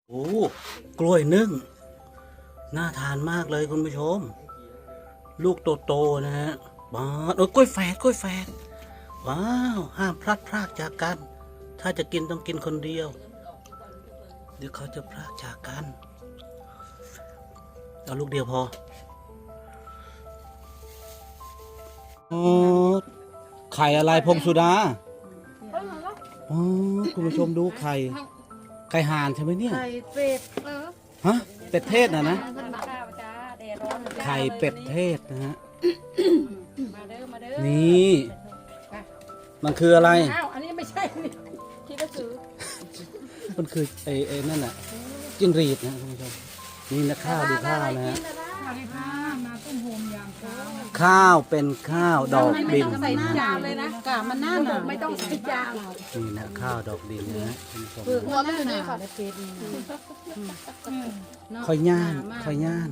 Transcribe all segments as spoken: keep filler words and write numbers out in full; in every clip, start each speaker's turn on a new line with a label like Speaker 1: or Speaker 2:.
Speaker 1: โอ้กล้วยนึ่งน่าทานมากเลยคุณผู้ชม ลูกโตๆนะฮะบ้าโอ้กล้วยแฝดกล้วยแฝดว้าวห้ามพลัดพรากจากกัน ถ้าจะกินต้องกินคนเดียว เดี๋ยวเขาจะพรากจากกันเอาลูกเดียวพอโอ้ไข่อะไรพงสุดาอ๋อคุณผู้ชมดูไข่ไข่ห่านใช่ไหมเนี่ย
Speaker 2: ไข่เป็ด
Speaker 1: ฮะเป็ดเทศนะนะ
Speaker 2: ข้าวจ้าแดดร้อน
Speaker 1: ไข่เป็ดเทศนะฮะ
Speaker 2: มาเด้อมาเด้อ
Speaker 1: นี่มันคืออะไร
Speaker 2: อ้าวอันนี้ไม่ใช่นี่คิดว่าซื้อ
Speaker 1: มันคือไอ้ไอ้นั่นน่ะจิ้งหรีดนะคุณผู้ชมนี่นะข้าวดูข้าวนะฮะ
Speaker 2: สวัสดีค่ะมาต้มโฮมยามเช้า
Speaker 1: ข้าวเป็นข้าวดอกดิน
Speaker 2: ใส่จานเลยนะกะมันน่าหนาไม่ต้องใส่จาน
Speaker 1: นี่นะข้าวดอกดินนะฮะคุณผู้ชม
Speaker 2: เปลือกมันน่าหนาเป็ดนี่
Speaker 1: ค่อยย่านค่อยย่าน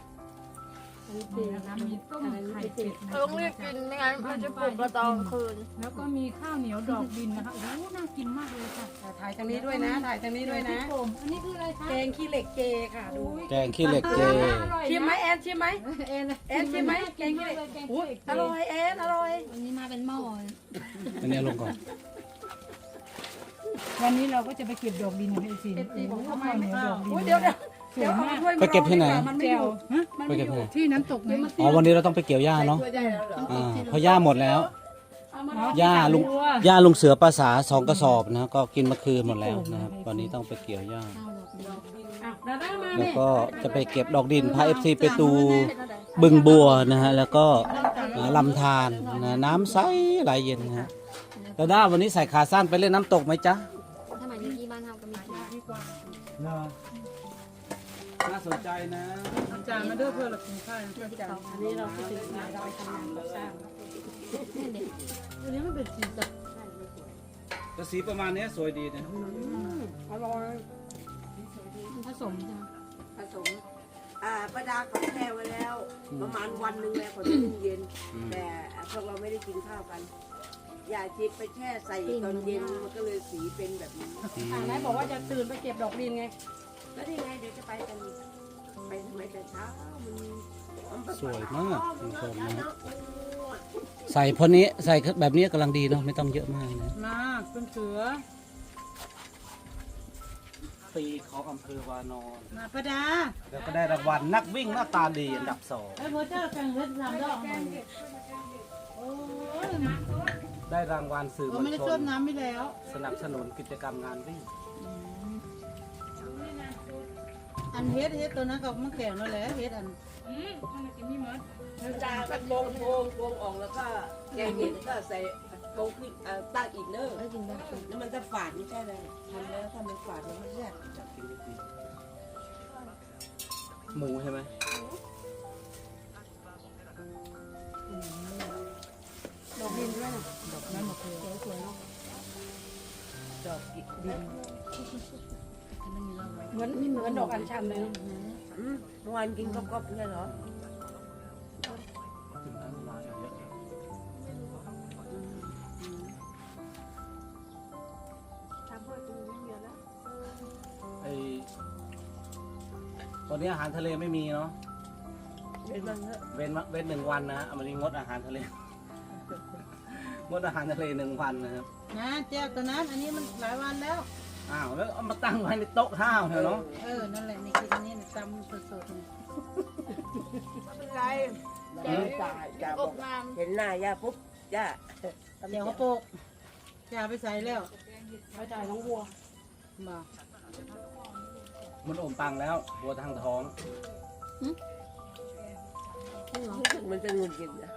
Speaker 3: มีต้มไข่เป็ด
Speaker 4: ต้องรีบกินไม่งั้นมันจะปลุกเราตอนคืน
Speaker 3: แล้วก็มีข้าวเหนียวดอกดินนะคะโอ้โหน่ากินมากเลยค่ะ
Speaker 2: ถ่ายทางนี้ด้วยนะถ่ายทางนี้ด้วยนะ
Speaker 3: ผมอันนี้คืออะไรคะ
Speaker 2: แกงขี้เหล็กเจค่ะดู
Speaker 1: แกงขี้เหล็กเจ
Speaker 2: ชิมไหมแอนชิมไหม
Speaker 3: เอ็น
Speaker 2: แอนชิมไหมแกงขี้เหล็กอุ้ยอร่อยแอนอร่อย
Speaker 3: วันนี้มาเป็นหม้อ
Speaker 1: อันนี้เอาลงก่อน
Speaker 3: วันนี้เราก็จะไปเก็บดอกดินของไอซีโอ้โหข้าวเหนียวดอกดิน
Speaker 2: อุ้ยเดี๋ยวเดี๋ยว
Speaker 3: สวยมาก
Speaker 1: ไปเก็บที่ไหน
Speaker 2: มันไม่
Speaker 3: แก้
Speaker 2: อ
Speaker 3: ว
Speaker 2: ยู่
Speaker 3: ฮะ
Speaker 1: ไปเก็บที่ไหน
Speaker 3: ที่น้ำตกไหน
Speaker 1: อ๋อวันนี้เราต้องไปเกี่ยวหญ้าเนาะอ่าเพราะหญ้าหมดแล้วหญ้าลุงหญ้าลุงเสือภาษาสองกระสอบนะก็กินเมื่อคืนหมดแล้วนะครับวันนี้ต้องไปเกี่ยวหญ้า
Speaker 2: อ่ะดาด้ามา
Speaker 1: แล้ว
Speaker 2: แม่
Speaker 1: ก็จะไปเก็บดอกดินพาเอฟซีไปดูบึงบัวนะฮะแล้วก็ลำธารนะน้ำใสไหลเย็นนะฮะแล้วด้าวันนี้ใส่ขาสั้นไปเล่นน้ำตกไหมจ๊ะ
Speaker 4: ทำไมที่บ้านทำก็มีกิน
Speaker 1: น่าสนใจนะ
Speaker 3: จานมาด้วยเพื่อเรากินข้าว
Speaker 2: อันนี้เราคิดถึงสมัยเราไปทำงานก่อสร้าง
Speaker 3: อันนี้มันเป็นสีสัน
Speaker 1: กระสีประมาณนี้สวยดีนะ
Speaker 2: อร่อย
Speaker 3: ผสมใช่ไหม
Speaker 5: ผสมอ่าประดาเขาแช่ไว้แล้ว ประมาณวันหนึ่งแล้วพอจะตู้เย็น แต่พวกเราไม่ได้กินข้าวกัน อย่าจิบไปแช่ใส่ตอนเย็นมันก็เลยสีเป็นแบบนี้
Speaker 2: อ่าไหนบอกว่าจะตื่นไปเก็บดอกดินไง
Speaker 5: แล้วนี่ไงเดี๋ยวจะไปกันไปทำไมแต่เช้ามัน
Speaker 1: สวยมากคุณผู้ชมนะใส่พอนี้ใส่แบบนี้กำลังดีเนาะไม่ต้องเยอะมากนะ
Speaker 3: มาเป็นเสือ
Speaker 1: ปีของอำเภอวานอน
Speaker 3: มาประดา
Speaker 1: แล้วก็ได้รางวัลนักวิ่งหน้าตาดีอันดับสอง
Speaker 3: ไอ้พ่อเจ้าแกงเล็ดน้ำดอกมันโอ้ย
Speaker 1: ได้รางวัลสื่อม
Speaker 3: เรา
Speaker 1: วล
Speaker 3: ไม่ได้
Speaker 1: ช
Speaker 3: ต้
Speaker 1: น
Speaker 3: มน้ำไปแล้ว
Speaker 1: สนับสนุนกิจกรรมงานวิ่ง
Speaker 3: อันเฮ็ดเฮ็ดตัวนั้นกับมะแขวนนั่นแหละเฮ็ดอัน
Speaker 5: จาก็โกงโกงโกงออกแล้วก็แกงเย็นก็ใส่โกงขึ้นอ่าตั้งอีกเนอะแล้วมันจะฝาดไม่ใช่เลยทำแล้วถ้ามันฝาดมันไม่ใช่
Speaker 1: หมูใช่ไหม
Speaker 2: ดอกดินด้วยนะ
Speaker 3: ดอกนั้นมะเขือ
Speaker 2: สวยๆเนาะ
Speaker 3: ดอกดิน
Speaker 2: เหมือนเหมือนดอกอัญชันเลยเนาะ
Speaker 5: อืมเมื่อวานกินก๊อบๆไม่ใช่เหรอ
Speaker 1: ไอตอนนี้อาหารทะเลไม่มีเนาะ
Speaker 5: เป็นบ้างเถอะ
Speaker 1: เว้นเว้นหนึ่งวันนะเอามานี้งดอาหารทะเล งดอาหารทะเลหนึ่งวันนะครับ
Speaker 3: นะแจ้วตัวนั้นอันนี้มันหลายวันแล้ว
Speaker 1: อ้าวแล้วเอามาตั้งไว้ในโต๊ะข้าวเนาะ
Speaker 3: เออนั่นแหละนี่กินอันนี้เนี่ยตำสดๆนี่
Speaker 5: เป็นไรย่าจ่าจ่าบอกเห็นหน้าย่าปุ๊บย่า
Speaker 3: เดี๋ยวเขาโปกจะเอาไปใส่แล้ว
Speaker 2: ไว้จ่ายน้องวัว
Speaker 3: มา
Speaker 1: มันอมตังแล้วบัวทางท้อง
Speaker 5: มันจะงุนกินนะ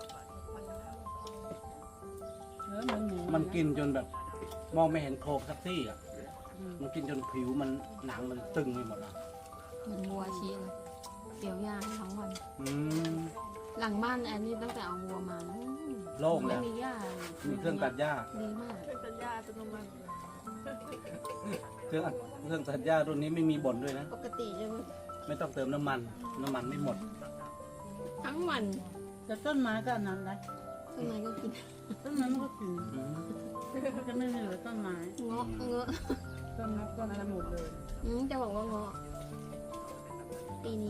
Speaker 3: เออเหมือนหมู
Speaker 1: มันกินจนแบบ มองไม่เห็นโครงสักที่อ่ะมันกินจนผิวมันหนังมันตึงไปหมดอ่ะ
Speaker 4: เหมือนวัวชี้เลยเกี่ยวยาให้ทั้งวัน
Speaker 1: อืม
Speaker 4: หลังบ้านแอนนี่ตั้งแต่เอาวัวมานะ
Speaker 1: โล่ง
Speaker 4: ไม่
Speaker 1: แล้ว
Speaker 4: มีหญ้า
Speaker 1: มีเครื่องตัดหญ้า
Speaker 4: ดีมากเครื่องตัดหญ้าอัตโนมัติ
Speaker 1: เครื่องเครื่องตัดหญ้ารุ่นนี้ไม่มีบ่นด้วยนะ
Speaker 4: ปกติจะ
Speaker 1: ไม่ต้องเติมน้ำมัน น้ำมันไม่หมด
Speaker 4: ทั้งวัน
Speaker 3: แต่ต้นไม้ก็อันนั้นนะ
Speaker 4: ข้างในก็กิน
Speaker 3: ต้นไม้มันก็กิน
Speaker 1: อืม
Speaker 3: จะไม่เหลือต้นไม้
Speaker 4: เงาะเงาะ
Speaker 2: ต้นนับต้นอะไรหมดเลย
Speaker 4: อืมจะบอกว่าเงาะปีนี้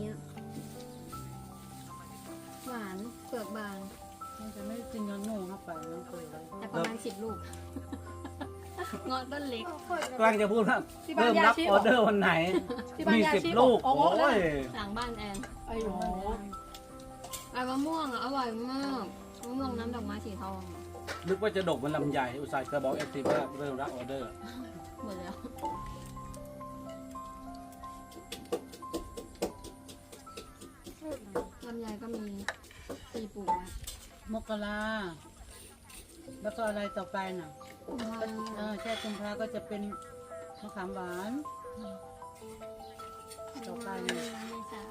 Speaker 4: หวานเปลือกบาง
Speaker 2: มันจะไม่กินเงินหนูเข้าไปน้องเคยเลย
Speaker 4: แต่ประมาณสิบลูก เงาะต้นเล็ก
Speaker 1: กำลังจะพูดว่า
Speaker 2: ที่บ้าน
Speaker 1: เริ่ม
Speaker 2: ยา
Speaker 1: รับ
Speaker 2: ชี
Speaker 1: ออเดอร์วันไหน
Speaker 2: ที่บ้าน
Speaker 1: มี
Speaker 2: ยา
Speaker 1: สิบ
Speaker 2: ชี
Speaker 1: ลูก
Speaker 2: โอ้
Speaker 1: โอ้
Speaker 2: โหเลย
Speaker 1: ย
Speaker 4: หลังบ้านแอน
Speaker 2: ไอ้โห
Speaker 4: ไอ้มะม่วงอ่ะอร่อยมากมะม่วงน้ำดอกไม้สีทอง
Speaker 1: นึกว่าจะดกมันลำใหญ่อุตส่าห์จะบอกเอฟซีว่าเริ่มรับออเดอร์
Speaker 4: หมดแล้วลำไยก็มีตีปลูกไว้
Speaker 2: มกราแล้วก็อะไรต่อไปน่ะเออแค่กุมภาก็จะเป็นมะขามหวาน ต่อไป
Speaker 4: เมษา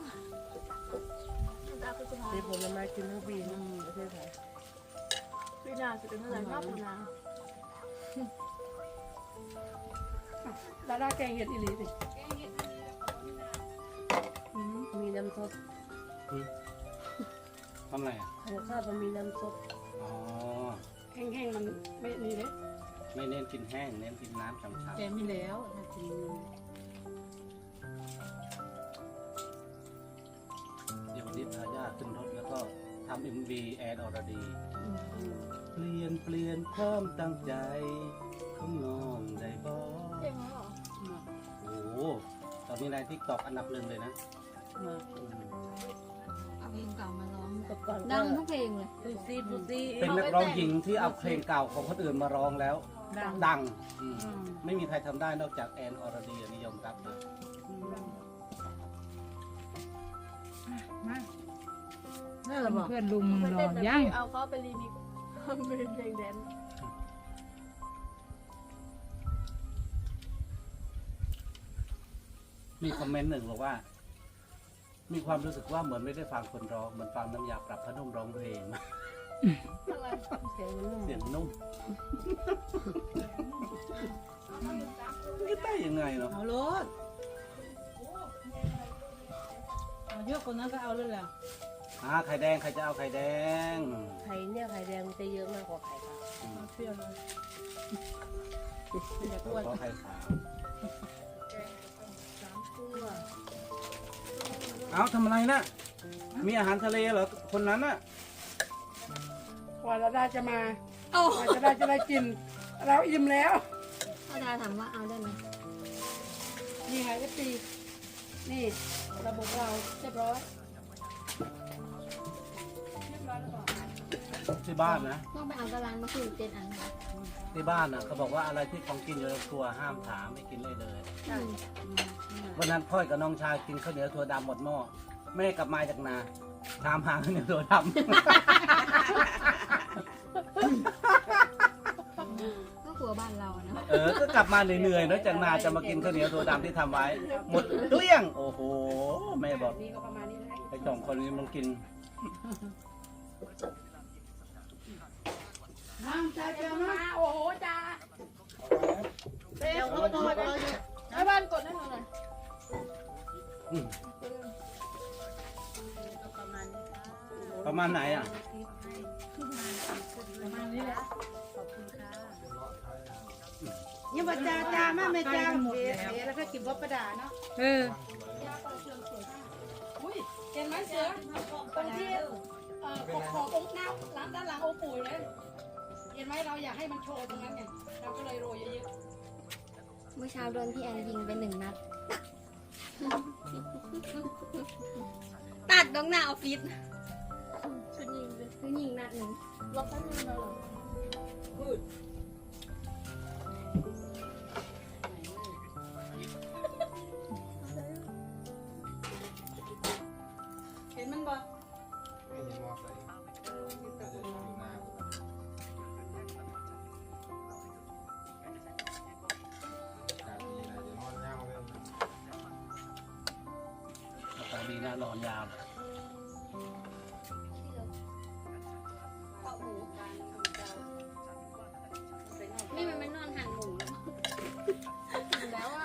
Speaker 5: เป็นผลไม้กินทั้งปีนะประเทศไทย
Speaker 3: ปีหน้าจะเป็นเท่าไหร่รอบปีหน้า
Speaker 2: ดาราแกงเห็ดอีหลีสิ
Speaker 5: มีน้ำซด
Speaker 1: ทำอะไรอ่ะ
Speaker 5: ของข้าวมันมีน้ำซด
Speaker 1: อ๋อ
Speaker 2: แห้งๆมันไม่นี่เลย
Speaker 1: ไม่เน้นกินแห้งเน้นกินน้ำฉ่ำ
Speaker 2: แกมีแล้วถ้ากิน
Speaker 1: ๆเดี๋ยววันนี้พาญาติขึ้นรถแล้วก็ทำเอ็มวีแอนอรดี เปลี่ยนเปลี่ยนความตั้งใจของน้องได้บ่
Speaker 3: เองเหรอ
Speaker 1: โอ้โหตอนนี้ในทิกตอกอันดับหนึ่งเลยนะ
Speaker 2: มา
Speaker 1: อืม
Speaker 4: เอาเพลงเก่ามาร้อง
Speaker 5: กับก่อน
Speaker 4: ดังทุกเพลงเลย
Speaker 5: ปูซี่ปูซี่
Speaker 1: เป็นนักร้องหญิงที่เอาเพลงเก่าของคนอื่นมาร้องแล้ว
Speaker 2: ดัง
Speaker 1: ดังอืม
Speaker 2: อืม
Speaker 1: ไม่มีใครทำได้นอกจากแอนอรดีอันนิยมรับเลย
Speaker 2: มาน่าจะบอกเพื่อนลุงมึง
Speaker 3: ไป
Speaker 2: ร
Speaker 3: เต้
Speaker 2: อน
Speaker 3: แต่
Speaker 2: ยัง
Speaker 3: เอาเขาไปรีมิกซ์เป็นเพลงแดนซ์
Speaker 1: มีคอมเมนต์หนึ่งบอกว่า มีความรู้สึกว่าเหมือนไม่ได้ฟังคนร้องเหมือนฟังน้ำยาปรับผ้านุ่มร้องเพลง
Speaker 3: อะไร
Speaker 5: เสียงมันนุ่ม
Speaker 1: เสียงนุ่มไม่ได้ยังไงเนาะ
Speaker 2: เอารถเอาเยอะกว่านั้นก็เอาเลยแหละ
Speaker 1: อ่าไข่แดงใครจะเอาไข่แดง
Speaker 5: ไข่เนี่ยไข่แดงมันจะเยอะมากกว่าไข่ขาว
Speaker 1: อืม
Speaker 2: เปรี้ยวเลยอยาก
Speaker 1: ข
Speaker 2: อ้วน
Speaker 1: อไข่ขาวเอาทำอะไรนะมีอาหารทะเลเหรอคนนั้นน่ะ
Speaker 2: กว่าเราได้จะมา
Speaker 4: โอ้
Speaker 2: กว่าจะได้จะได้กิน เราอิ่มแล้ว
Speaker 4: อาจารย์ถามว่าเอาได้ไหม
Speaker 2: นี่ไงก็ตีนี่ระบบเราเรียบร้อย
Speaker 1: ที่บ้านนะ
Speaker 4: ต้องไปเอาตารางมาคือเจ็ดอันค่ะ
Speaker 1: ที่บ้านนะเขาบอกว่าอะไรที่ของกินอยู่ในครัวห้ามถามไม่กินเลยเลย
Speaker 4: อืม
Speaker 1: วันนั้นพ่อยกับน้องชายกินข้าวเหนียวถั่วดำหมดหม้อแม่กลับมาจากนาถามหาข้าวเหนียวถั่วด
Speaker 4: ก็ครัวบ้านเราอะเนาะ
Speaker 1: ำ เออก็กลับมาเหนื่อยๆเนอะจากนาจะมากินข้าวเหนียวถั่วดำที่ทำไว้ หมดเกลี้ยงโอ้โหแม่บอก
Speaker 2: นี่ก็ประมาณนี้แหละ
Speaker 1: ไอ้สองคนนี้มันกิน
Speaker 2: น้ำจ้าจ้ามาโอ้โหจ้า
Speaker 3: เต้นเขาโทษเลยให้บ้านกดให้หนูหน่อย
Speaker 1: อืม
Speaker 5: ประมาณนี้ค่ะ
Speaker 1: ประมาณไหนอ่ะ
Speaker 2: ประมาณนี้แหละ
Speaker 5: ขอบคุณค่ะ
Speaker 6: ยังบ่จ้าจ้ามาแม่จ้าเอ๋เอ๋แล้วก็กินบ่ประดาเนาะ
Speaker 2: เออ
Speaker 3: อุ้ยเห็นไหมเสือตรงที่เอ่อขอบขอบองค์หน้าหลังด้านหลังองค์ปู่เลยเห็นไหมเราอยากให้มันโชว์ตรงนั้นไงเราก็เลยโรยเยอะ
Speaker 4: เมื่อเช้าโดนพี่แอนยิงไปหนึ่งนัด ตัดตรงหน้าออฟฟิศ
Speaker 3: ๆฉันยิงเลย
Speaker 4: คือยิงนัดหนึ่ง
Speaker 3: ล็อกแป๊บนึงนะเหรอ
Speaker 2: เห็นมันบ่
Speaker 1: ตอนนี้นะนอนยาว
Speaker 4: นี่มันไม่นอนห่างหมูแล้ว
Speaker 3: ถึงแล้วอ่ะ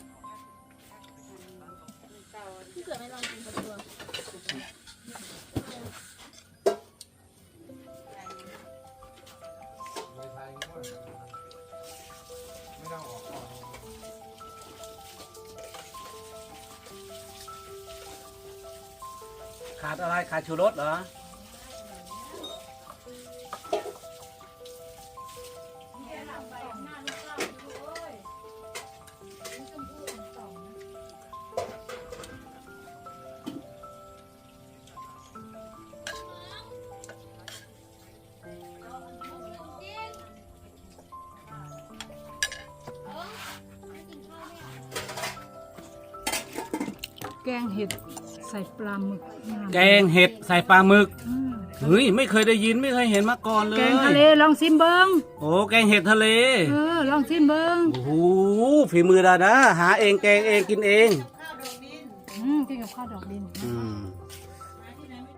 Speaker 3: พี่เสือไม่ลองกินกับตัว
Speaker 7: ไม่ต้องออกก่อน
Speaker 1: ขาดอะไรขาดชูรสเหรอ
Speaker 3: แกงเห็ดใส่ปลาหมึก
Speaker 1: แกงเห็ดใส่ปลาหมึกเฮ้ยไม่เคยได้ยินไม่เคยเห็นมาก่อนเลย
Speaker 3: แกงทะเลลองซิมเบิง
Speaker 1: โอ้แกงเห็ดทะเล
Speaker 3: เออลองซิมเบิง
Speaker 1: โอ้โหฝีมือดาดาหาเองแกงเองกินเอง
Speaker 3: อืมกินกับข้าวดอกดิน
Speaker 1: อืม